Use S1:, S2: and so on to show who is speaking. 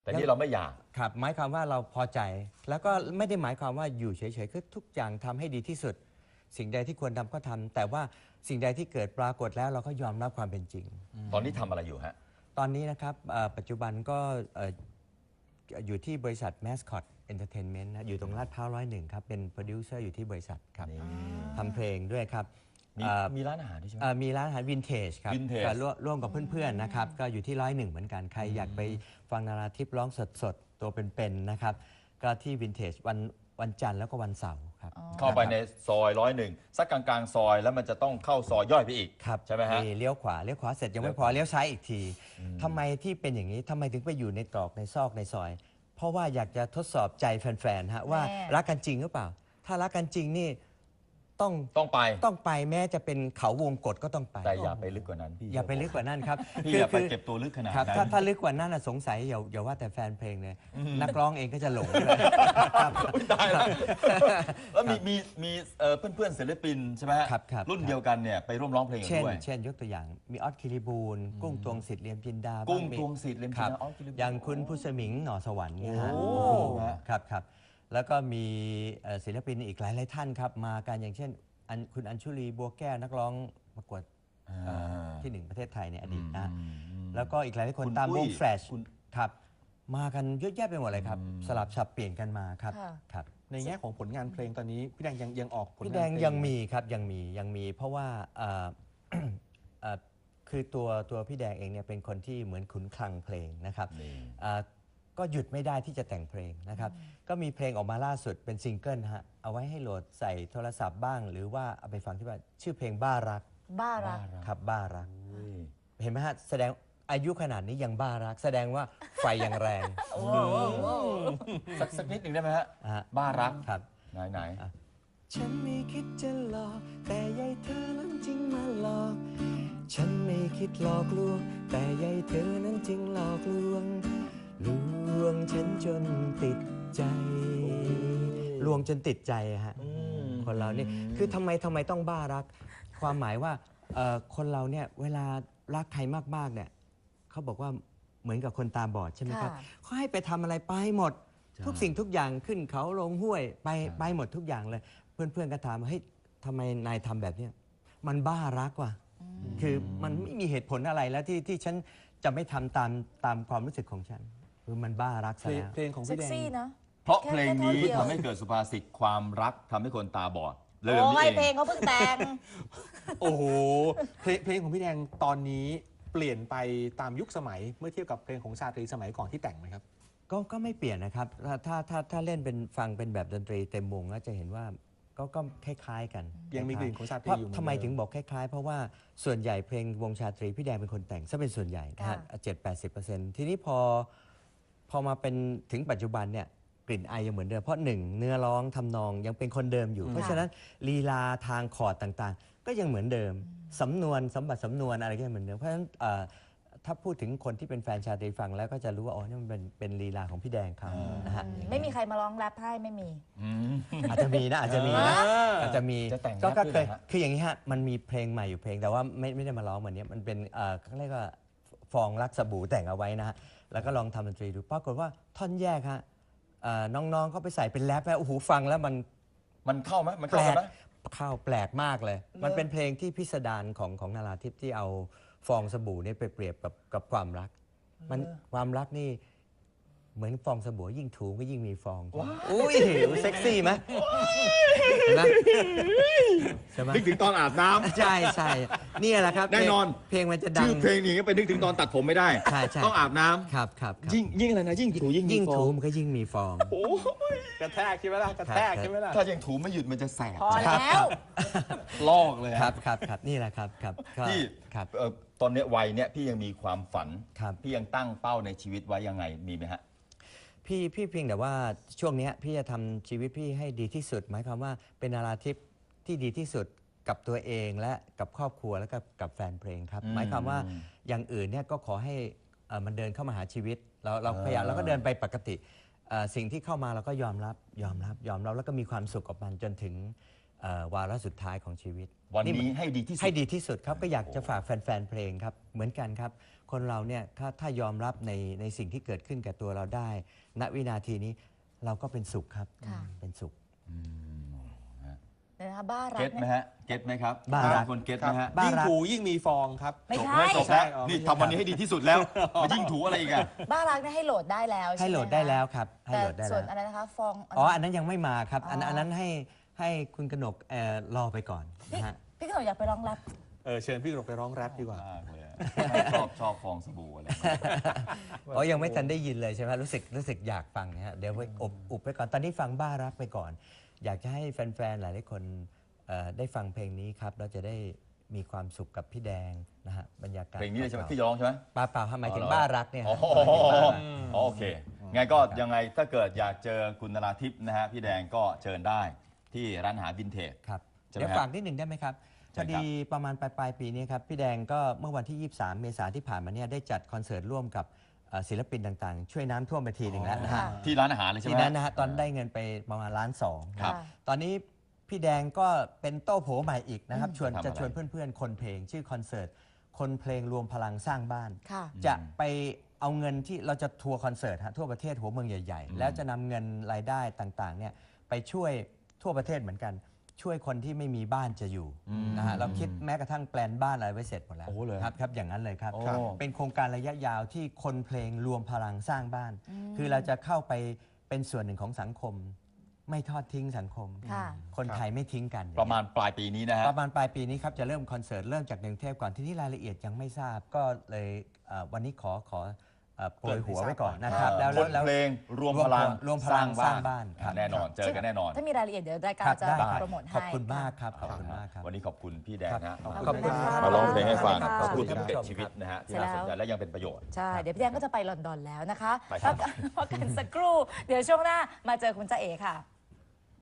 S1: แต่นี่เราไม่อยาก
S2: ครับหมายความว่าเราพอใจแล้วก็ไม่ได้หมายความว่าอยู่เฉยๆคือทุกอย่างทำให้ดีที่สุดสิ่งใดที่ควรทำก็ทำแต่ว่าสิ่งใดที่เกิดปรากฏแล้วเราก็ยอมรับความเป็นจริง
S1: ตอนนี้ทำอะไรอยู่ฮะ
S2: ตอนนี้นะครับปัจจุบันก็อยู่ที่บริษัท Mascot Entertainment นะอยู่ตรงลาดพร้าว101ครับเป็นโปรดิวเซอร์อยู่ที่บริษัทครับทำเพลงด้วยครับ
S1: มีร้านอาหารด้วยใช่ไหม
S2: มีร้านอาหารวินเทจครับร่วมกับเพื่อนๆนะครับก็อยู่ที่101เหมือนกันใครอยากไปฟังนาราทิพย์ร้องสดๆตัวเป็นๆนะครับก็ที่วินเทจวันจันทร์แล้วก็วันเสาร์ครับ
S1: เข้าไปในซอย101สักกลางๆซอยแล้วมันจะต้องเข้าซอยย่อยไปอีกใช่ไหมฮะ
S2: เลี้ยวขวาเสร็จยังไม่พอเลี้ยวซ้ายอีกทีทำไมที่เป็นอย่างนี้ทำไมถึงไปอยู่ในตรอกในซอกในซอยเพราะว่าอยากจะทดสอบใจแฟนๆฮะว่ารักกันจริงหรือเปล่าถ้ารักกันจริงนี่ต้องไปแม้จะเป็นเขาวงกฏก็ต้องไป
S1: แต่อย่าไปลึกกว่านั้นพี่
S2: อย่าไปลึกกว่านั้นครับ
S1: พี่อย่าไปเก็บตัวลึกขนาดนั้น
S2: ถ้าลึกกว่านั้นสงสัยอย่าว่าแต่แฟนเพลงเลยนักร้องเองก็จะหลงเลย
S1: ตายแล้วแล้วมีเพื่อนศิลปินใช่ไหมรุ่นเดียวกันเนี่ยไปร่วมร้องเพลงด้วย
S2: เช่นยกตัวอย่างมีออสคิริบูลกุ้งตวงสิทธิ์เลียมจินดา
S1: กุ้งตวงสิทธิ์เลียมจินดา
S2: อย่างคุณพุสมิงหน่อสวรรค์เนี่ยครับแล้วก็มีศิลปินอีกหลายท่านครับมากันอย่างเช่นคุณอัญชุลีบัวแก้วนักร้องประกวดที่1ประเทศไทยในอดีตนะแล้วก็อีกหลายคนตามวงแฟลชครับมากันเยอะแยะไปหมดเลยครับสลับสับเปลี่ยนกันมาครับ
S3: ในแง่ของผลงานเพลงตอนนี้พี่แดงยังออกผลงาน
S2: พี่แดงยังมีครับยังมีเพราะว่าคือตัวพี่แดงเองเนี่ยเป็นคนที่เหมือนขุนคลังเพลงนะครับก็หยุดไม่ได้ที่จะแต่งเพลงนะครับก็มีเพลงออกมาล่าสุดเป็นซิงเกิลฮะเอาไว้ให้โหลดใส่โทรศัพท์บ้างหรือว่าเอาไปฟังที่บ้านชื่อเพลงบ้ารักครับบ้ารักเห็นไหมฮะแสดงอายุขนาดนี้ยังบ้ารักแสดงว่าไฟยังแรง
S1: สักนิดหนึ่งได้ไหมฮะบ้ารัก
S2: ครับ
S1: ไหน
S2: ฉันไม่คิดจะหลอกแต่ยายเธอนั้นจริงมาหลอกฉันไม่คิดหลอกลวงแต่ยายเธอนั้นจริงหลอกลวงฉันจนติดใจลวงจนติดใจฮะคนเรานี่คือทำไมต้องบ้ารักความหมายว่าคนเราเนี่ยเวลารักใครมากๆเนี่ยเขาบอกว่าเหมือนกับคนตาบอดใช่ไหมครับเขาให้ไปทำอะไรไปหมดทุกสิ่งทุกอย่างขึ้นเขาลงห้วยไปหมดทุกอย่างเลยเพื่อนก็ถามว่าเฮ้ยทำไมนายทำแบบนี้มันบ้ารักว่ะคือมันไม่มีเหตุผลอะไรแล้วที่ฉันจะไม่ทำตามความรู้สึกของฉันคือมันบ้ารักซะแล้ว
S3: เพลงของพี่แดง
S1: เพราะเพลงนี้ทำให้เกิดสุภาษิตความรักทำให้คนตาบอด
S4: เลยนี่เองเพลงเขาเพิ่งแต่ง
S3: โอ้โหเพลงของพี่แดงตอนนี้เปลี่ยนไปตามยุคสมัยเมื่อเทียบกับเพลงของชาตรีสมัยก่อนที่แต่งไหมครับ
S2: ก็ไม่เปลี่ยนนะครับถ้าเล่นเป็นฟังเป็นแบบดนตรีเต็มวงแล้วจะเห็นว่าก็คล้ายๆกัน
S3: ยังมีกลิ่นของชาตรีอยู่
S2: ทำไมถึงบอกคล้ายๆเพราะว่าส่วนใหญ่เพลงวงชาตรีพี่แดงเป็นคนแต่งซะเป็นส่วนใหญ่นะฮะ70-80%ทีนี้พอมาเป็นถึงปัจจุบันเนี่ยกลิ่นไอยังเหมือนเดิมเพราะ1เนื้อร้องทำนองยังเป็นคนเดิมอยู่เพราะฉะนั้นลีลาทางคอร์ดต่างๆก็ยังเหมือนเดิมสำนวนสำนวนอะไรก็ยังเหมือนเดิมเพราะฉะนั้นถ้าพูดถึงคนที่เป็นแฟนชาตรีฟังแล้วก็จะรู้ว่าอ๋อนี่มันเป็นลีลาของพี่แดงเขานะฮะ
S4: ไม่มีใครมาร้องแรปให้ไม่มี
S2: อาจจะมีก็เคยคืออย่างนี้ฮะมันมีเพลงใหม่อยู่เพลงแต่ว่าไม่ได้มาร้องเหมือนนี้มันเป็นเขาเรียกว่าฟองรักสบู่แต่งเอาไว้นะฮะแล้วก็ลองทำดนตรีดูปรากฏว่าท่อนแยกฮะน้องๆเขาไปใส่เป็นแรปแล้วโอ้โหฟังแล้ว
S1: มันเข้าไหมมัน
S2: แปลกแปลกมากเลยมันเป็นเพลงที่พิสดารของนาราทิพย์ที่เอาฟองสบู่นี่ไปเปรียบกับความรักมันความรักนี่เหมือนฟองสบู่ยิ่งถูก็ยิ่งมีฟองอุ้ยเซ็กซี่ไหม
S1: ใช่ไหมนึกถึงตอนอาบน้ำ
S2: ใช่นี่แหละครับ
S1: แน่นอน
S2: เพลงมันจะดัง
S1: ชื่อเพลงนี้ก็ไปนึกถึงตอนตัดผมไม่ได้ต้องอาบน้ำ
S2: ครับ
S1: ยิ่งอะไรนะยิ่งถู
S2: ยิ่งถูมันก็ยิ่งมีฟอง
S3: กระแทกใช่ไหมล่ะกระแทกใช่ไหมล่ะ
S1: ถ้ายังถูไม่หยุดมันจะแสบ
S4: พอแล้ว
S1: ลอกเลย
S2: ครับนี่แหละครับ
S1: พี่ตอนนี้วัยเนี้ยพี่ยังมีความฝันพี่ยังตั้งเป้าในชีวิตไว้ยังไงมีไหมฮะ
S2: พี่เพียงแต่ว่าช่วงนี้พี่จะทำชีวิตพี่ให้ดีที่สุดหมายความว่าเป็นนาราทิพย์ที่ดีที่สุดกับตัวเองและกับครอบครัวและกับแฟนเพลงครับหมายความว่าอย่างอื่นเนี่ยก็ขอให้มันเดินเข้ามาหาชีวิตเราพยายามเราก็เดินไปปกติสิ่งที่เข้ามาเราก็ยอมรับแล้วก็มีความสุขกับมันจนถึงวาระสุดท้ายของชีวิต
S1: วันนี้ให้ดีที่สุด
S2: ให้ดีที่สุดครับก็อยากจะฝากแฟนๆเพลงครับเหมือนกันครับคนเราเนี่ยถ้ายอมรับในสิ่งที่เกิดขึ้นกับตัวเราได้ ณวินาทีนี้เราก็เป็นสุขครับ
S4: ค่ะ
S2: เป็นสุข
S4: เดี๋ยวนะคะบ้ารั
S1: เก็
S4: ก
S1: ตไหม
S4: เนี่ย
S1: ฮะเก็ตไหมครับ
S2: บ้ารัก
S1: คนเก็ตไหมฮะ
S2: บ้า
S3: ยิ่ง
S2: รัก
S3: ถูยิ่งมีฟองครับ
S4: ไม่
S1: จบ
S4: ใช่
S1: แล้วจบแล้ว
S3: อ๋อ
S1: นี่ทำวันนี้ให้ดีที่สุดแล้วมายิ่งถูอะไรอีกอะ
S4: บ้ารักเนี่ยให้โหลดได้แล้ว
S2: ให้โหลดได้แล้วครับให้
S4: แต่
S2: โหลดได้
S4: ส่
S2: แล้ว วน
S4: อะไรนะคะฟอง
S2: อ๋ออันนั้นยังไม่มาครับอัน
S4: อ๋ออั
S2: อันนั้นให้คุณกนกรอไปก่อนนะฮะ
S4: พี่ขนมอยากไปร้องแรป
S3: เชิญพี่กนกไปร้องแรปดีกว่า
S1: มากเลยอะชอบฟองสบู่อะไร
S2: อ๋อยังไม่ทันได้ยินเลยใช่ไหมรู้สึกอยากฟังนะฮะเดี๋ยวไว้อุบไปก่อนตอนนี้ฟังบ้ารักไปก่อน อยากจะให้แฟนๆหลายๆคนได้ฟังเพลงนี้ครับเราจะได้มีความสุขกับพี่แดงนะฮะบรรยากาศ
S1: เพลงนี้เลยใช่ไหมที่จะร้องใช่ไหม
S2: เปล่าหมายถึง
S1: อ๋อเหรอ
S2: บ้ารักเนี่ย
S1: อ๋อ
S2: หมายถึงบ้ารัก
S1: โอเคไงก็ยังไงถ้าเกิดอยากเจอคุณนราทิพย์นะฮะพี่แดงก็เชิญได้ที่ร้านอาหารวินเทจ
S2: ครับ
S1: ใช่ไหม
S2: เดี๋ยว
S1: ครับ
S2: ฝากนิดหนึ่งได้ไหมครับ
S1: เชิ
S2: พ
S1: ญ
S2: อ
S1: ครับ
S2: ดีประมาณปลายปีนี้ครับพี่แดงก็เมื่อวันที่ 23 เมษายนที่ผ่านมาเนี่ยได้จัดคอนเสิร์ตร่วมกับศิลปินต่างๆ ช่วยน้ำท่วมไปทีหนึ่งแล้วนะฮะ
S1: ที่ร้านอาหารเลยใช่ไห
S2: ที
S1: ม
S2: นั้นนะฮะตอนได้เงินไปประมาณ1.2 ล้าน
S1: ครับ
S2: ตอนนี้พี่แดงก็เป็นโต้โผใหม่อีกนะครับ
S1: ทำอะไร
S2: จะชวนเพื่อนๆ คนเพลง ชื่อคอนเสิร์ตคนเพลงรวมพลังสร้างบ้าน
S4: ค่ะ
S2: จะไปเอาเงินที่เราจะทัวร์คอนเสิร์ตฮะทั่วประเทศหัวเมืองใหญ่ๆ แล้วจะนำเงินรายได้ต่างๆเนี่ยไปช่วยทั่วประเทศเหมือนกัน ช่วยคนที่ไม่มีบ้านจะอยู่นะฮะเราคิดแม้กระทั่งแปลนบ้านอะไรไว้เสร็จหมดแล้ว
S1: โอ้เลย
S2: ครับอย่างนั้นเลยครับ
S1: โอ้
S2: เป็นโครงการระยะยาวที่คนเพลงรวมพลังสร้างบ้าน คือเราจะเข้าไปเป็นส่วนหนึ่งของสังคม ไม่ทอดทิ้งสังคม
S4: ค่ะ
S2: คนไทยไม่ทิ้งกัน
S1: ประมาณปลายปีนี้นะฮะ
S2: ประมาณปลายปีนี้ครับจะเริ่มคอนเสิร์ตเริ่มจากกรุงเทพก่อนที่นี่รายละเอียดยังไม่ทราบก็เลยวันนี้ขอโปรยหัวไว้ก่อนนะครับแล้ว
S1: คนเพลงรวมพลัง
S2: รวมพลังสร้างบ้านครับ
S1: แน่นอนเจอกันแน่นอน
S4: ถ้ามีรายละเอียดเดี๋ยวรายการ
S2: ครับ
S4: จะ
S2: ได้ครับ
S4: โปรโมทให้
S2: ขอบคุณมากครับขอบคุณมากครับ
S1: วันนี้ขอบคุณพี่แดงนะฮะ
S2: ขอบคุณครับ
S1: มาร้องเพลงให้ฟัง
S4: ขอบคุณ
S1: พูดถึง
S4: ครับ
S1: เป็ดชีวิตนะฮะที่น่าสนใจและยังเป็นประโยชน์
S4: ใช่ เดี๋ยวพี่แดงก็จะไปลอนดอนแล้วนะคะ
S1: ไปครับ
S4: พักกันสักครู่ เดี๋ยวช่วงหน้ามาเจอคุณจ๊ะเอ๋ค่ะ